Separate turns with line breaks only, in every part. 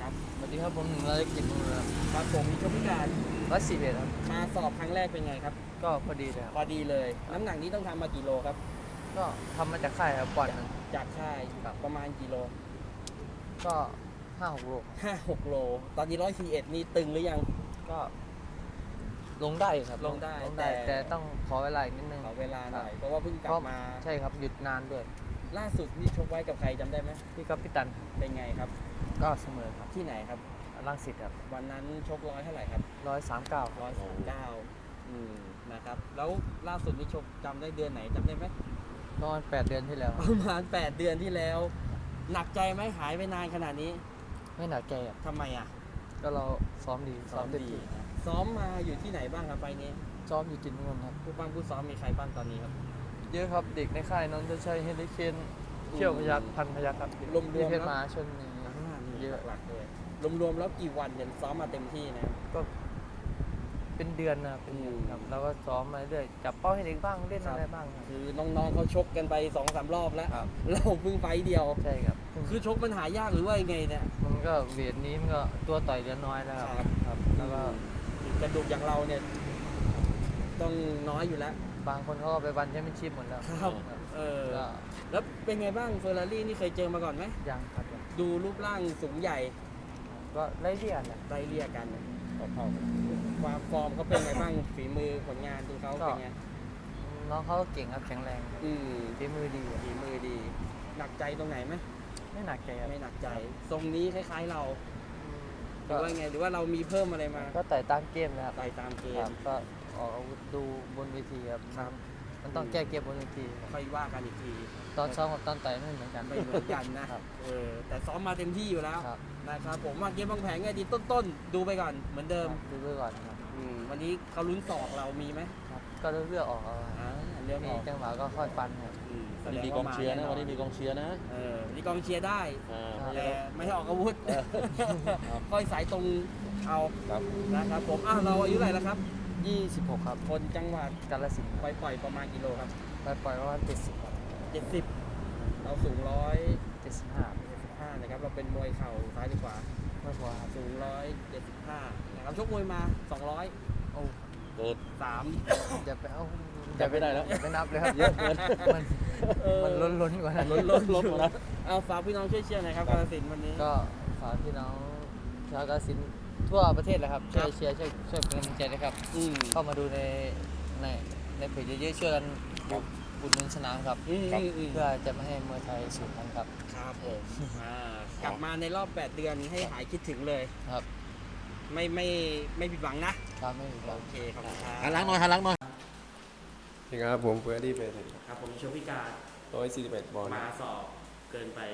ครับ
สวัสดีครับผม100 กิจบุญครับ
ครับผมมีชกพิการ
141ครับ
มาสอบครั้งแรกเป็นไงครับ
ก็พอดีเลยครั
พอดีเลยน้ำหนักนี้ต้องทำมากี่โลครับ
ก็ทำมาจากค่ายครับปอนด์หนึ่ง
จากค่ายประมาณกี่โล
ก็5-6 โล
5-6 โลตอนนี้141นี่ตึงหรือยัง
ก็ลงได้ครับ
ลงได้
แต่ต้องขอเวลาอีกนิดนึง
ขอเวลาหน่อยเพราะว่าเพิ่งกลับมา
ใช่ครับหยุดนานด้วย
ล่าสุดนี่ชกไว้กับใครจำได้ไหม
พี่กับพี่ตัน
เป็นไงครับ
ก็เสมอครับ
ที่ไหนครับ
รังสิตครับ
วันนั้นชกเท่าไหร่ครับ
139
นะครับแล้วล่าสุดนี่ชกจำได้เดือนไหนจำได้ไหม
ประมาณ8 เดือนที่แล้ว
ประมาณ8 เดือนที่แล้วหนักใจไหมหายไปนานขนาดนี้
ไม่หนักใจครับ
ทำไมอ่ะ
ก็เราซ้อมดี
ซ้อมมาอยู่ที่ไหนบ้างครับไฟนี้
ซ้อมอยู่จินนนท์ครับ
ผู้ซ้อมมีใครบ้างตอนนี้ครับ
เยอะครับเด็กในค่ายนนทชัยเฮลิเคนเชี่ยวพยัคฆ์พันพยัคฆ์ครับ
รวม
เพชรมาชน
เยอะหลักเลยรวมแล้วกี่วันเนี่ยซ้อมมาเต็มที่นะครับ
ก็เป็นเดือนนะครับเป็นเดือนครับแล้วก็ซ้อมมาเรื่อยจับเป้าให้เด็กบ้างเล่นอะไรบ้าง
คือน้องๆเขาชกกันไป 2-3 รอบแล้วเราเพิ่งไฟเดียว
ใช่ครับ
คือชกมันหายากหรือว่ายังไงเนี่ย
มันก็เวทนี้มันก็ตัวต่อยเดือนน้อยแล้วครับแล้วก็
กระดูกอย่างเราเนี่ยต้องน้อยอยู่แล้ว
บางคนเขาก็ไปวันแชมเปี้ยนชิพหมดแล้ว
ครับแล้วเป็นไงบ้างเฟอร์รารี่นี่เคยเจอมาก่อนไหม
ยังครับ
ดูรูปร่างสูงใหญ่
ก็ไล่เลี่ย
กันความฟอร์มเขาเป็นไงบ้างฝีมือผลงานดูเขาเป็นไง
น้องเขาเก่งครับแข็งแรงฝีมือดี
หนักใจตรงไหนไหม
ไม่หนักใจ
ไม่หนักใจทรงนี้คล้ายๆเราหรือว่าไงหรือว่าเรามีเพิ่มอะไรมา
ก็ต่อยตามเกมนะครับ
ต่อยตามเกม
ก็ออกอาวุธดูบนเวทีครับมันต้องแก้เกมบนเวที
ค่อยว่ากันอีกที
ตอนซ้อมกับตอนต่อยไม่เหมือนกัน
นะครับแต่ซ้อมมาเต็มที่อยู่แล้วนะครับผมว่าเกมบางแผงไงดีต้นดูไปก่อนเหมือนเดิม
ดูไปก่อนครับ
วันนี้เขาลุ้นศอกเรามีไหม
ครับก็เลือกออก
เลือกออก
จังหวะก็ค่อยฟันครับ
มีกองเชียร์นะวันนี้มีกองเชียร์นะ
มีกองเชียร์ได้แต่ไม่ให้ออกอาวุธค่อยสายตรงเอานะครับผมเราอายุเท่าไหร่แล้วครับ
26ครับ
คนจังหวัด
กาฬสินธุ์
ปล่อยประมาณกิโลครับ
ปล่อยประมาณ70ครับ
70เราสูง175นะครับเราเป็นมวยเข่าซ้ายดีกว่า
ไม่พอครับ
สูง175นะครับชกมวยมา200
โอ้เกิด
3
อย่าไปเอา
จะไม่ได้แล้ว
ไปนับเลยครับเยอะเกินมันล้นกว่านั้น
ล้นกว่านั้นฝากพี่น้องช่วยเชียร์หน่อยครับกาฬสินธุ์วันนี้
ก็ฝากพี่น้องชาวกาฬสินธุ์ทั่วประเทศเลยครับช่วยเชียร์ช่วยเป็นกำลังใจนะครับเข้ามาดูในเพจเยอะๆช่วยกันบุญนุนสนามครับเพื่อจะไม่ให้มวยไทยสูญพันธุ์ครับ
ครับผมกลับมาในรอบ8 เดือนให้หายคิดถึงเลย
ครับ
ไม่ผิดหวังนะครับ
ไม่ผิดหวัง
โอเคครับ
หันหลังหน่อย
นี่ครับผมเฟิร์สดี้เฟส
ครับผมโชพิการ
141 บอล
มาสอบเกินไป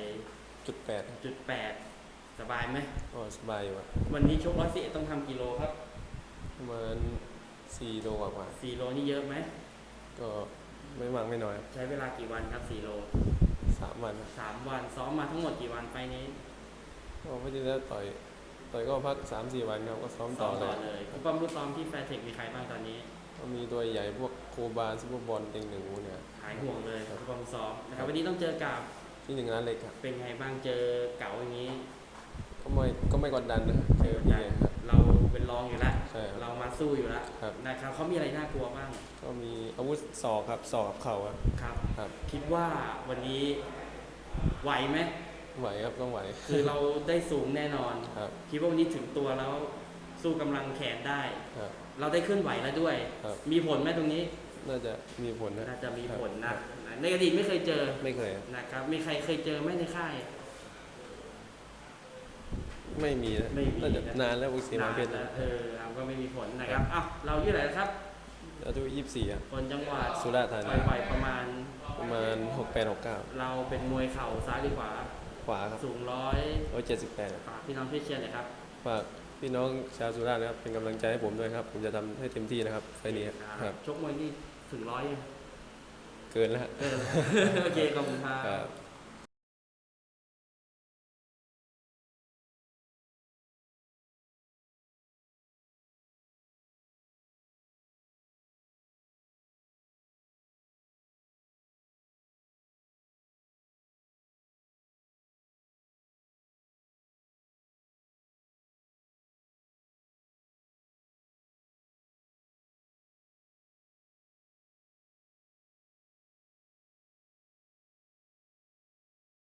จุด 8
สบายไหม
สบายอยู่
วันนี้ชก141ต้องทำกิโลครับ
ประมาณ4 โลกว่า
4 โลนี่เยอะไหม
ก็ไม่มากไม่น้อย
ใช้เวลากี่วันครับ4 โล
3 วัน
3 วันซ้อมมาทั้งหมดกี่วันไปนี้
ก็พอดีแล้วต่อยก็พัก 3-4 วันครับก็ซ้อมต่อ
เลยคุณป้อมรู้ซ้อมที่แฟร์เทคมีใครบ้างตอนนี้
ก็มีตัวใหญ่พวกโคบาซุปเปอร์บอลเต็งหนึ่งเนี่ย
หายห่วงเลยคุณป้อมซ้อมนะครับวันนี้ต้องเจอกับ
ที่1 ล้านเล็กครับ
เป็นไงบ้างเจอเก๋าอย่างนี้
ก็ไม่กดดันนะเจอพี่ครับ
เราเป็นรองอยู่แล้วเรามาสู้อยู่แล้วนะครับเขามีอะไรน่ากลัวบ้าง
ก็มีอาวุธศอกครับศอกกับเข่า
ครับคิดว่าวันนี้ไหวไหม
ไหวครับต้องไหว
คือเราได้สูงแน่นอนคิดว่าวันนี้ถึงตัวแล้วสู้กำลังแขนได้เราได้เคลื่อนไหวแล้วด้วยมีผลไหมตรงนี้
น่าจะมีผลนะ
น่าจะมีผลนะในอดีตไม่เคยเจอ
ไม่เคย
นะครับมีใครเคยเจอไหมในค่าย
ไม่มีนะนานแล้วพวกสีมาเพชร
ก็ไม่มีผลนะครับเราอายุเท่าไหร่ครับ
อายุ24
คนจังหวัด
สุราษฎร์ธานี
ไปประมาณ
68-69
เราเป็นมวยเข่าซ้ายหรือขวา
ครับ
สูง
178
ฝากพี่น้องช่วยเชียร์หน่อยครับ
ฝากพี่น้องชาวสุราษฎร์นะครับเป็นกำลังใจให้ผมด้วยครับผมจะทำให้เต็มที่นะครับไฟล์นี้
ครับชกมวยนี่ถึง100
เกินแล้ว
โอเคขอบคุณครับ